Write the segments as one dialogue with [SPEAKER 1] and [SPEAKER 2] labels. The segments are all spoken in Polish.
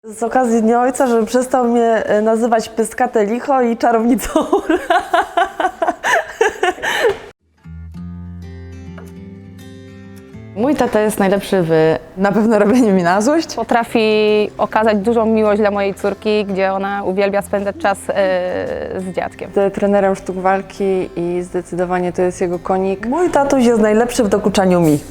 [SPEAKER 1] Z okazji Dnia Ojca, żeby przestał mnie nazywać pyskate licho i czarownicą.
[SPEAKER 2] Mój tata jest najlepszy w
[SPEAKER 3] Na pewno robienie mi na złość.
[SPEAKER 4] Potrafi okazać dużą miłość dla mojej córki, gdzie ona uwielbia spędzać czas z dziadkiem.
[SPEAKER 5] Jest trenerem sztuk walki i zdecydowanie to jest jego konik.
[SPEAKER 1] Mój tatuś jest najlepszy w dokuczaniu mi.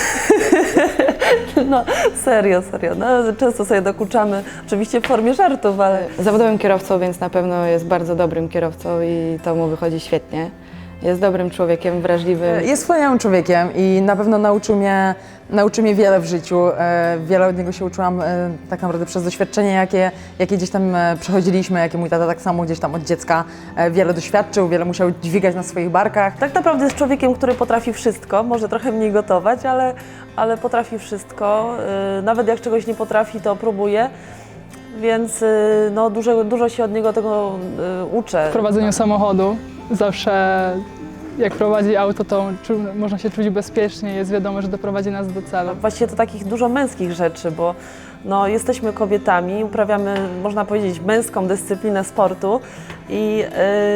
[SPEAKER 1] No serio. No, często sobie dokuczamy, oczywiście w formie żartów, ale
[SPEAKER 2] zawodowym kierowcą, więc na pewno jest bardzo dobrym kierowcą i to mu wychodzi świetnie. Jest dobrym człowiekiem, wrażliwym.
[SPEAKER 3] Jest wspaniałym człowiekiem i na pewno nauczył mnie wiele w życiu. Wiele od niego się uczyłam tak naprawdę przez doświadczenie, jakie gdzieś tam przechodziliśmy, jakie mój tata tak samo gdzieś tam od dziecka wiele doświadczył, wiele musiał dźwigać na swoich barkach.
[SPEAKER 1] tak naprawdę jest człowiekiem, który potrafi wszystko, może trochę mniej gotować, ale potrafi wszystko. Nawet jak czegoś nie potrafi, to próbuje. Więc no, dużo się od niego tego uczę.
[SPEAKER 6] W prowadzeniu samochodu zawsze jak prowadzi auto, to można się czuć bezpiecznie, jest wiadomo, że doprowadzi nas do celu.
[SPEAKER 1] Właściwie to takich dużo męskich rzeczy, bo no, jesteśmy kobietami, uprawiamy, można powiedzieć, męską dyscyplinę sportu i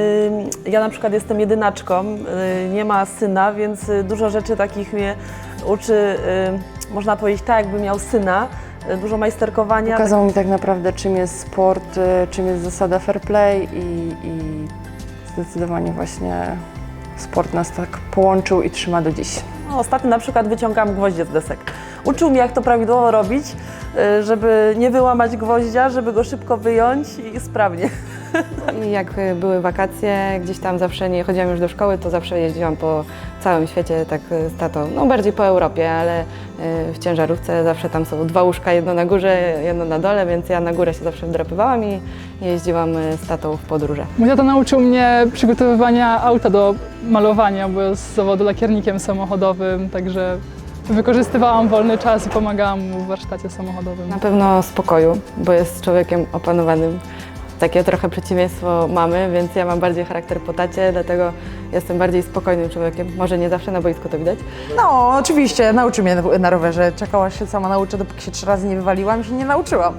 [SPEAKER 1] ja na przykład jestem jedynaczką, nie ma syna, więc dużo rzeczy takich mnie uczy, można powiedzieć tak, jakby miał syna, dużo majsterkowania.
[SPEAKER 5] Pokazał mi tak naprawdę, czym jest sport, czym jest zasada fair play i zdecydowanie właśnie sport nas tak połączył i trzyma do dziś.
[SPEAKER 1] No, ostatnio na przykład wyciągam gwoździe z desek. Uczył mnie, jak to prawidłowo robić, żeby nie wyłamać gwoździa, żeby go szybko wyjąć i sprawnie.
[SPEAKER 2] I jak były wakacje, gdzieś tam zawsze nie chodziłam już do szkoły, to zawsze jeździłam po całym świecie, tak z tatą, no bardziej po Europie, ale w ciężarówce zawsze tam są 2 łóżka, jedno na górze, jedno na dole, więc ja na górę się zawsze wdrapywałam i jeździłam z tatą w podróże.
[SPEAKER 6] Mój tata nauczył mnie przygotowywania auta do malowania, bo jest z zawodu lakiernikiem samochodowym, także wykorzystywałam wolny czas i pomagałam mu w warsztacie samochodowym.
[SPEAKER 2] Na pewno spokoju, bo jest człowiekiem opanowanym. Takie trochę przeciwieństwo mamy, więc ja mam bardziej charakter po tacie, dlatego jestem bardziej spokojnym człowiekiem. Może nie zawsze na boisku to widać.
[SPEAKER 3] No, oczywiście, nauczył mnie na rowerze. Czekała się sama nauczę, dopóki się 3 razy nie wywaliłam i się nie nauczyłam.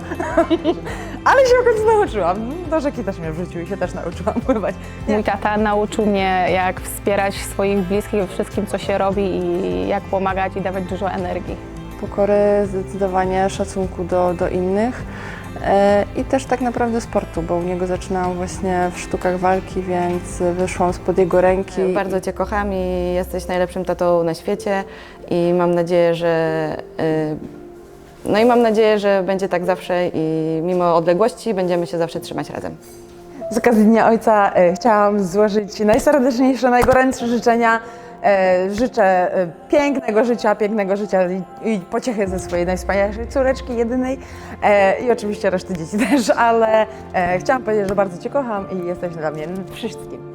[SPEAKER 3] Ale się w końcu nauczyłam. Do rzeki też mnie wrzucił i się też nauczyłam pływać.
[SPEAKER 4] Mój tata nauczył mnie, jak wspierać swoich bliskich we wszystkim, co się robi i jak pomagać i dawać dużo energii.
[SPEAKER 5] Pokory, zdecydowanie szacunku do innych i też tak naprawdę sportu, bo u niego zaczynałam właśnie w sztukach walki, więc wyszłam spod jego ręki.
[SPEAKER 2] Bardzo Cię kocham i jesteś najlepszym tatą na świecie i mam nadzieję, że będzie tak zawsze i mimo odległości będziemy się zawsze trzymać razem.
[SPEAKER 3] Z okazji Dnia Ojca chciałam złożyć najserdeczniejsze, najgorętsze życzenia. Życzę pięknego życia i pociechy ze swojej najwspanialszej córeczki, jedynej i oczywiście reszty dzieci też, ale chciałam powiedzieć, że bardzo Cię kocham i jesteś dla mnie wszystkim.